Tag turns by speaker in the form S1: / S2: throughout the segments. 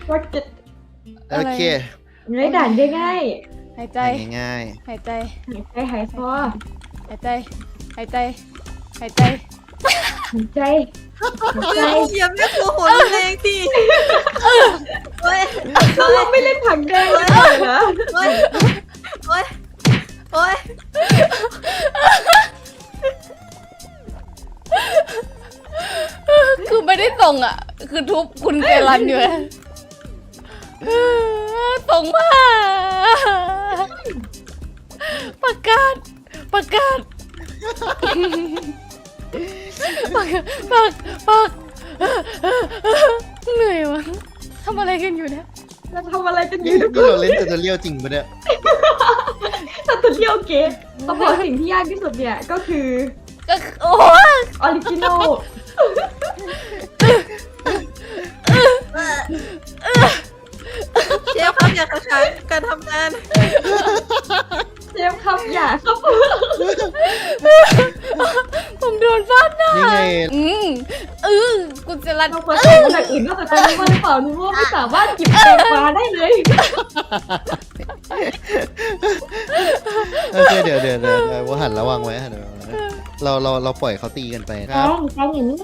S1: ว่าจะ
S2: โอเค
S1: เนื้อด่านง่าย
S3: หายใจ
S2: ง่าย
S3: หายใจ
S1: ๆหายใจหายคอ
S3: หายใจ หายใจ หายใจ
S1: หายใจหายใจ
S4: อย่าไม่กลัวหัวแรงดิเฮ้ย
S1: เราไม่เล่นผักแดงเลยเหรอ
S4: เฮ้ยเฮ้ยเฮ้ย
S3: คือไม่ได้ส่งอ่ะ คือทุบคุณเกลันอยู่นะส่งมาประกาศประกาศปักเหนื่อยวะทำอะไรกันอยู่เนี่ย
S1: เราทำอะไรกัน
S2: ๆ
S1: อ
S2: นี่
S1: ยู่ทุกค
S2: เรา
S1: น
S2: เล่นแต่จะเลี้ยวจริงปะเนี่ย
S1: ถ้าตุเรียวเกตต้องบอกสิ่งที่ยากที่สุดเนี่ยก็คือ
S3: ก็โอ้
S1: ออริจินอล
S4: เชฟครับอย่าขัดขวางการทำงาน
S1: เชฟครับอย่าครับ
S3: ผมโดนฟาดหน้า
S2: นี่ไง
S3: คุณเจรัน
S1: เราควรทำอย่างอื่นนอกจากการนี้ว่าหรือเปล่านี่ว่าไม่สามารถหยิบแตงกวาได้เลย
S2: โอเคเดี๋ยวว่าหันระวังไว้หันระวังไว้เราปล่อยเขาตีกันไปค
S1: แต
S2: รับ
S1: งอย่างนี้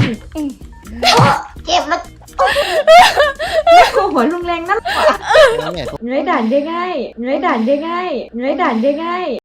S1: เจ็บแล้วโคหัวลุงแรงนั่นกว่า
S2: เนี่ย
S1: เนื้อด่านง่ายๆเนื้อด่านง่ายๆเนื้อด่านง่ายๆ